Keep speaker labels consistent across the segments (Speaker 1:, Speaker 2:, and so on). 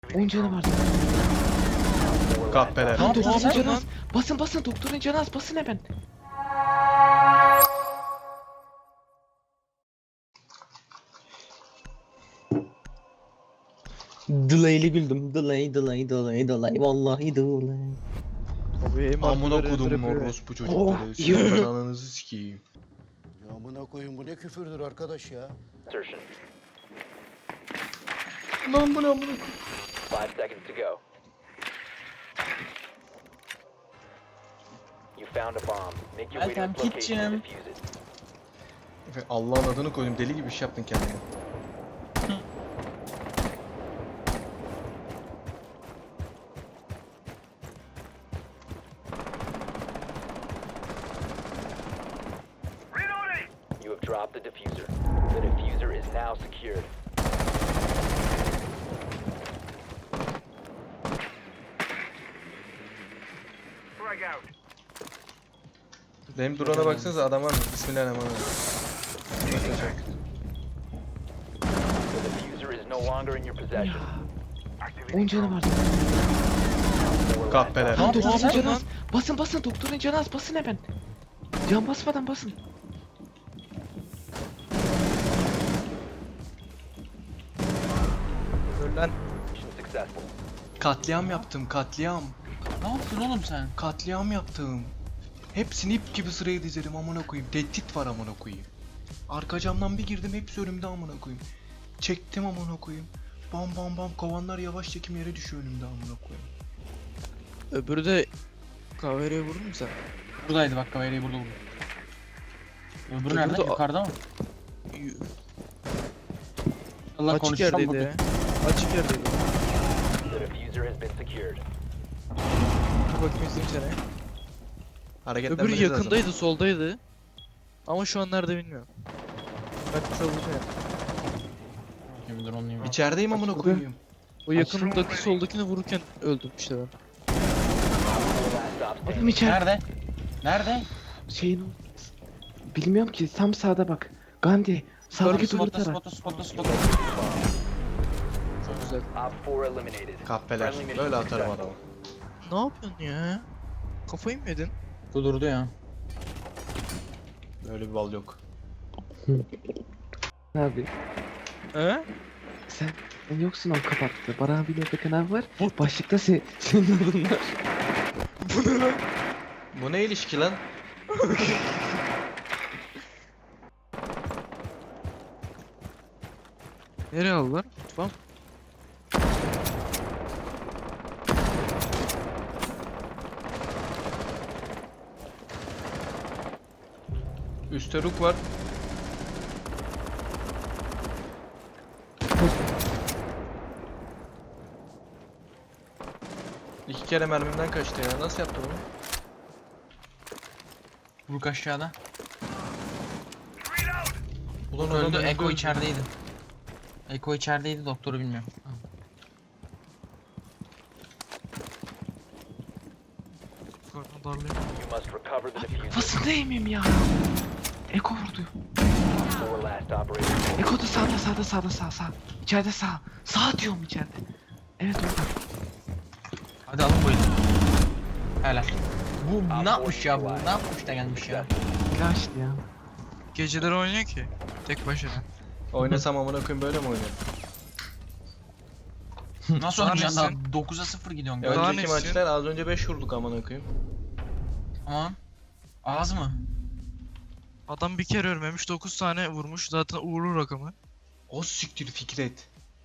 Speaker 1: 10 canı var.
Speaker 2: Kahpeler.
Speaker 1: Lan
Speaker 3: Ne
Speaker 1: doktorun
Speaker 3: yapıyorsun
Speaker 1: canı
Speaker 3: lan?
Speaker 1: az. Basın doktorun canı az. Basın hemen.
Speaker 4: Delay'li güldüm. Delay. Vallahi delay.
Speaker 3: Abi
Speaker 2: Amına kodum orospu
Speaker 1: Oh,
Speaker 2: çocukları.
Speaker 1: iyi
Speaker 2: Sizin
Speaker 1: oldu.
Speaker 2: ananızı sikeyim.
Speaker 5: Ya amına koyun bu ne küfürdür arkadaş ya.
Speaker 2: Lan bu ne amına
Speaker 6: 5 seconds to go. You found a bomb. Make your way to
Speaker 3: Welcome,
Speaker 6: its location
Speaker 3: kitchen.
Speaker 6: and defuse it.
Speaker 2: Allah'ın adını koydum. Deli gibi iş yaptın kendine.
Speaker 6: You have dropped the diffuser. The diffuser is now secured.
Speaker 2: Benim drone'a baksanıza adam var mı? Bismillahirrahmanirrahim.
Speaker 6: The diffuser is no longer in your possession.
Speaker 1: 10 canı var.
Speaker 2: Kahpeler.
Speaker 1: Lan doktorun
Speaker 3: yapıyorsun
Speaker 1: canı
Speaker 3: lan?
Speaker 1: az. Basın doktorun canı az. Basın hemen. Can basmadan basın.
Speaker 3: Ölen.
Speaker 6: Mission successful.
Speaker 2: Katliam yaptım, katliam.
Speaker 3: Ne yaptın oğlum sen?
Speaker 2: Katliam yaptım. Hepsini ip gibi sıraya dizerim amına koyayım. Tehdit var amına koyayım. Arka camdan bir girdim hepsi önümde amına koyayım. Çektim amına koyayım. Bam bam bam kovanlar yavaş çekim yere düşüyor önümde amına koyayım.
Speaker 3: Öbürü de kahvereye vurdun mu sen?
Speaker 7: Buradaydı bak kamerayı burada vurdu. Öbürü nerede?
Speaker 3: Burada-
Speaker 7: Yukarıda mı? Allah
Speaker 3: Açık
Speaker 7: konuşacağım
Speaker 3: yerdeydi
Speaker 7: burada.
Speaker 3: ya. Açık yerdeydi.
Speaker 6: The diffuser has been secured.
Speaker 3: Dur bakayım izleyeyim seni. Öbürü
Speaker 2: Hareketlenmeniz lazım.
Speaker 3: yakındaydı, soldaydı. Ama şu an nerede bilmiyorum. Ben çalacağım.
Speaker 7: Şimdi dur onu
Speaker 2: İçerideyim amına
Speaker 1: Açıldı.
Speaker 2: koyayım.
Speaker 3: O yakındaki soldakini vururken öldüm işte ben.
Speaker 6: Last stop
Speaker 1: Adam
Speaker 6: standing.
Speaker 1: içeride.
Speaker 7: Nerede? Nerede?
Speaker 1: Şeyin bilmiyorum ki tam sağda bak. Gandhi sağdaki duvarı
Speaker 7: Spotta
Speaker 1: tara.
Speaker 7: spotta.
Speaker 3: Çok güzel.
Speaker 6: Op 4 eliminated.
Speaker 2: Kahpeler.
Speaker 6: Friendly
Speaker 2: Böyle
Speaker 6: mission
Speaker 2: atarım
Speaker 6: successful.
Speaker 2: adamı.
Speaker 3: Ne yapıyorsun ya? Kafayı mı yedin?
Speaker 7: Durdu ya.
Speaker 2: Böyle bir bal yok.
Speaker 1: Abi
Speaker 3: He?
Speaker 1: sen yoksun o kapattı. Baran abiyle Bekan abi var. Başlıkta senin adın var.
Speaker 2: Bu ne ilişki lan?
Speaker 3: Nereye aldılar? Mutfağım.
Speaker 2: Üstte ruk var. İki kere mermimden kaçtı ya. Nasıl yaptı bunu?
Speaker 7: Vuruk aşağıda.
Speaker 2: Ulan
Speaker 7: Öldü.
Speaker 2: adam
Speaker 7: Eko
Speaker 2: öldü.
Speaker 7: içerideydi. Eko içerideydi, doktoru bilmiyorum.
Speaker 3: Karnım darlıyor.
Speaker 6: You must recover the diffuser.
Speaker 1: Basın değmeyeyim ya. Eko vurdu.
Speaker 6: 4 last operators.
Speaker 1: Eko da sağ. İçeride sağ. Sağ diyorum içeride. Evet orada.
Speaker 7: Hadi alın bu eli. Helal. Bu ne yapmış ya bu? Ne yapmış da gelmiş ya?
Speaker 1: Flash ya.
Speaker 3: Geceleri oynuyor ki. Tek başına.
Speaker 2: Oynasam amına koyayım böyle mi oynuyorum?
Speaker 7: Nasıl
Speaker 3: Daha
Speaker 7: oynayacaksın daha?
Speaker 3: nesin?
Speaker 7: 9'a 0 gidiyorsun.
Speaker 3: Daha
Speaker 2: Önceki
Speaker 3: nesin?
Speaker 2: maçlar az önce 5 vurduk amına koyayım.
Speaker 7: Tamam. Az mı?
Speaker 3: Adam bir kere ölmemiş, 9 tane vurmuş. Zaten uğurlu rakamı.
Speaker 2: O siktir Fikret.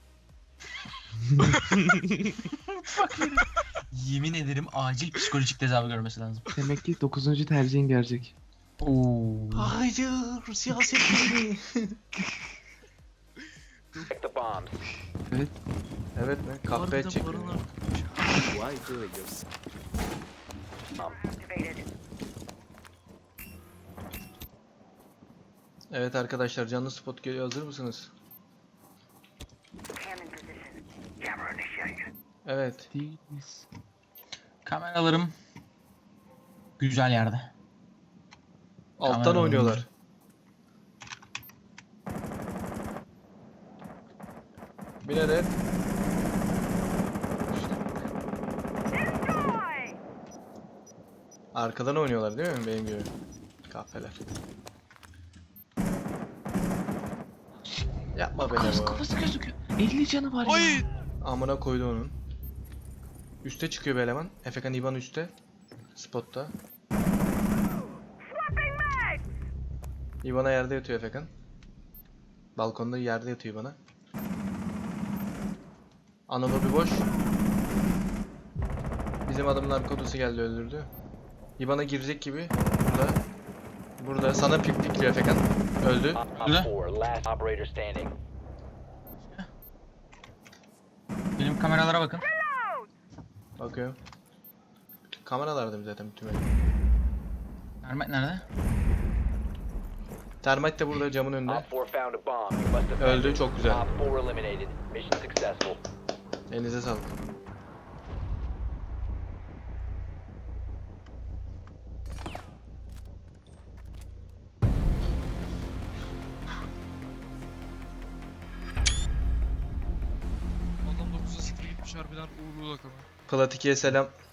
Speaker 7: Yemin ederim acil psikolojik tedavi görmesi lazım.
Speaker 1: Demek ki 9. tercihin gelecek.
Speaker 7: Oo.
Speaker 2: Hayır siyaset değil.
Speaker 6: Protect the bombs.
Speaker 2: Evet mi? Kahve
Speaker 3: Harbiden
Speaker 2: edecek.
Speaker 3: barınar.
Speaker 2: Evet arkadaşlar canlı spot geliyor, hazır mısınız? Evet.
Speaker 1: Değiliz.
Speaker 7: Kameralarım güzel yerde.
Speaker 2: Alttan
Speaker 7: Kameralarım
Speaker 2: oynuyorlar. Binerek. Arkadan oynuyorlar değil mi benim gibi? Kahpeler. Yapma be
Speaker 1: Kafası,
Speaker 2: bu.
Speaker 1: kafası gözüküyor. 50 canı var
Speaker 3: Ay!
Speaker 1: ya.
Speaker 2: Amına koydu onun. Üste çıkıyor bir eleman. Efekan İvan üstte. Spotta. İvan'a yerde yatıyor Efekan. Balkonda yerde yatıyor bana. Anadolu boş. Bizim adamlar kodusu geldi öldürdü. İvan'a girecek gibi. Burada. Burada sana pikliyor Efekan. Öldü.
Speaker 6: Op
Speaker 7: Ne?
Speaker 6: 4, last operator standing.
Speaker 7: Benim kameralara bakın.
Speaker 2: Bakıyorum. Kameralarda zaten bütün
Speaker 7: Ermek nerede?
Speaker 2: Termite de burada camın önünde.
Speaker 6: Op 4 found a bomb. You must defend
Speaker 2: Öldü,
Speaker 6: it.
Speaker 2: çok güzel.
Speaker 6: Op 4 eliminated. Mission successful.
Speaker 2: Elinize sağlık.
Speaker 3: Adam 9'a 0 gitmiş harbiden uğurlu rakamı.
Speaker 2: Plat 2'ye selam.